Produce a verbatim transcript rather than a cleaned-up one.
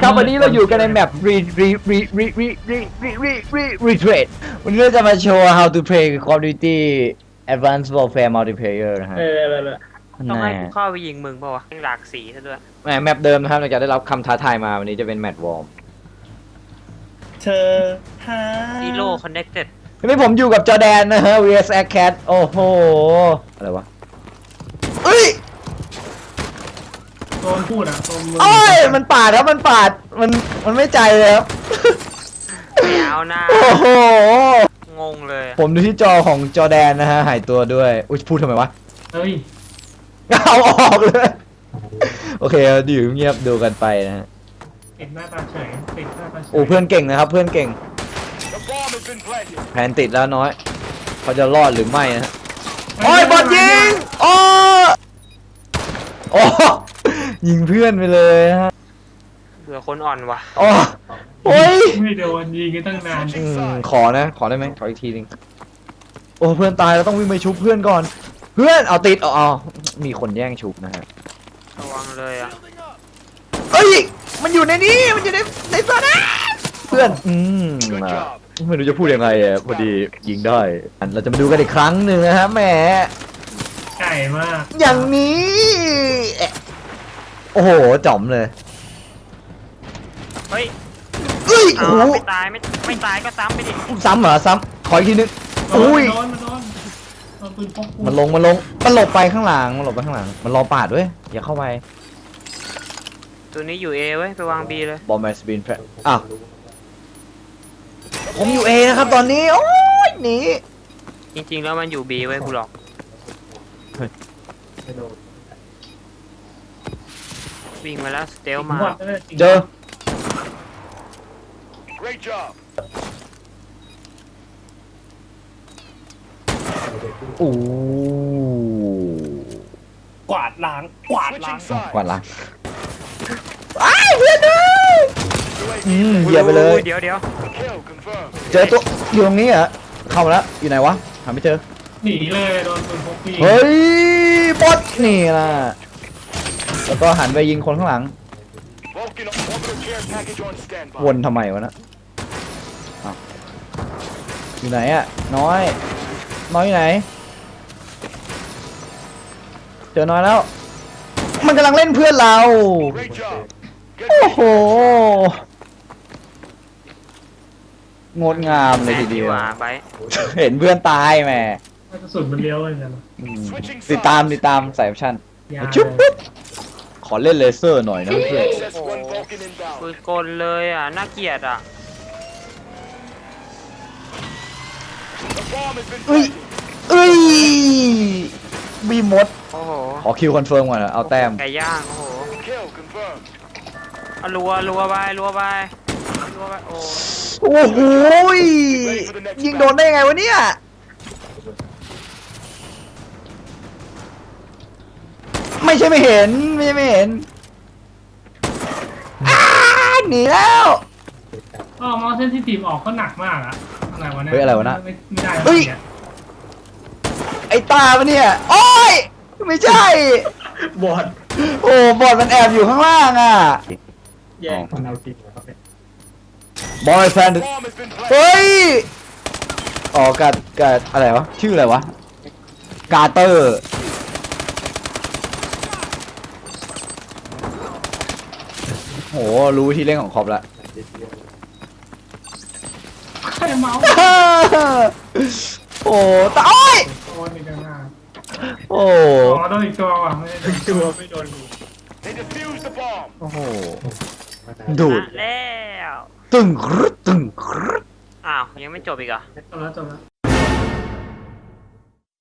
ครับวันนี้เราอยู่กันในแมป re re re re re re re re re retreat วันนี้เราจะมาโชว์ how to play Call of Duty Advanced Warfare Multiplayer นะฮะเออเออต้องให้กูเข้าไปยิงมึงป่าวะหลากสีซะด้วยแหมแมปเดิมนะครับหลังจากได้รับคำท้าทายมาวันนี้จะเป็นแมตช์วอร์มเธอหา Zero Connected วันนี้ผมอยู่กับจอแดนนะฮะ vs Cat โอ้โหอะไรวะเอ้ยโดนพูดอ่ะโดนมือโอ้ยมันปาดครับมันปาดมันมันไม่ใจเลยครับไม่เอาหน้าโอ้โหงงเลยผมดูที่จอของจอแดนนะฮะหายตัวด้วยอุ้ยพูดทำไมวะเฮ้ยเอาออกเลยโอเคอยู่เงียบดูกันไปนะฮะปิดหน้าตาเฉยปิดหน้าตาเฉยโอ้เพื่อนเก่งนะครับเพื่อนเก่งแผนติดแล้วน้อยเขาจะรอดหรือไม่นะฮะโอ้ยบอลยิงโอ้โอ้ยิงเพื่อนไปเลยฮะเบื่อคนอ่อนว่ะโอ้โอ้ยไม่โดนยิงกันตั้งนานอืมขอนะขอได้ไหมขออีกทีหนึงโอ้เพื่อนตายเราต้องวิ่งไปชุบเพื่อนก่อน เพื่อนเอาติดเอาเอามีคนแย่งชุบนะฮะระวังเลยอ่ะเอ้ยมันอยู่ในนี้มันอยู่ในในโซนนะเพื่อนอืมไม่รู้จะพูดยังไงอ่ะพอดียิงได้อันเราจะมาดูกันอีกครั้งหนึ่งนะฮะแหมไก่มากอย่างนี้เอ๊ะโอ้โหจ๋อมเลยเฮ้ยเอ้ยเอาโอ้โหไม่ตายไม่ไม่ตายก็ซ้ำไปดิซ้ำเหรอซ้ำขออีกทีนึงโดนอุ้ยโดนโดนโดนปืนพกมันลงมันลงมันหลบไปข้างหลังมันหลบไปข้างหลังมันรอปาดด้วยอย่าเข้าไปตัวนี้อยู่ A เว้ยไปวาง B เลยบอมแมสบินแพรอ้าวผมอยู่เอนะครับตอนนี้โอ้ยหนีจริงๆแล้วมันอยู่ B เว้ยกูหลอกวิ่งมาแล้วสเตลมาเจอ Great job. โอ้กวาดล้างกวาดล้าง Switching กวาด sides. ล้างอ้ายเพื่อนเลยอืมเหยียบไปเลยเดี๋ยวเดี๋ยว Kill confirmed. เจอตัวอยู่ตรงนี้เหรอเข้ามาแล้วอยู่ไหนวะหาไม่เจอหนีเลยโดนปืนพกปีเฮ้ยบอสนี่นะแล้วก็หันไปยิงคนข้างหลัง Vulcan orbital care package on standby. วนทำไมวะนะอ้าวอยู่ไหนอะน้อยน้อยอยู่ไหนเจอน้อยแล้ว มันกำลังเล่นเพื่อนเรา Great job. Good โอ้ mission. โหงดงามเลยทีเดียวว่าไปเห็นเพื่อนตายแหมกระสุนมันเลี้ยวเลยนะอืมติดตามติดตามสายแอคชั่นยาชุบปุ๊บขอเล่นเลเซอร์หน่อยนะเพื่อน Access one Vulcan ปื inbound. นกลเลยอ่ะน่าเกลียดอ่ะ The bomb has been เอ้ย planted. เอ้ยมีมดโอ้โหขอคิวคอนเฟิร์มก่อนนะเอาแต้มไก่ย่างโอ้โห Kill confirmed. เอารัวรัวไปรัวไปรัวไปโอ้โอ้โหยยิงโดนได้ไงวะเนี่ยไม่ใช่ไม่เห็นไม่ใช่ไม่เห็นอ้าหนีแล้วอ๋อมอเส้นที่ทีมออกก็หนักมากอะอะไรวะเนี่ยเฮ้ยอะไรวะนะไม่ไม่ได้เฮ้ยเนี่ยไอ้ตาปะเนี่ยโอ้ยไม่ใช่บอดโอ้บอดมันแอบอยู่ข้างล่างอ่ะแย่งคนเอาจริงครับเนี่ยบอยแฟน The bomb has been planted. เฮ้ยอ๋อกัดกัดอะไรวะชื่ออะไรวะกาเตอร์โหรู้ที่เล่นของคอปละใครเมาส์โอ้ตาโอ้ยโดนอีกแล้วนะโอ้อ๋อโดนอีกตัวว่ะไม่ได้โดนตัวไม่โดน They defused the bomb. โอ้โหดูดแล้วตึงครึดตึงครึดอ้าวยังไม่จบอีกเหรอจบแล้วจบแล้ว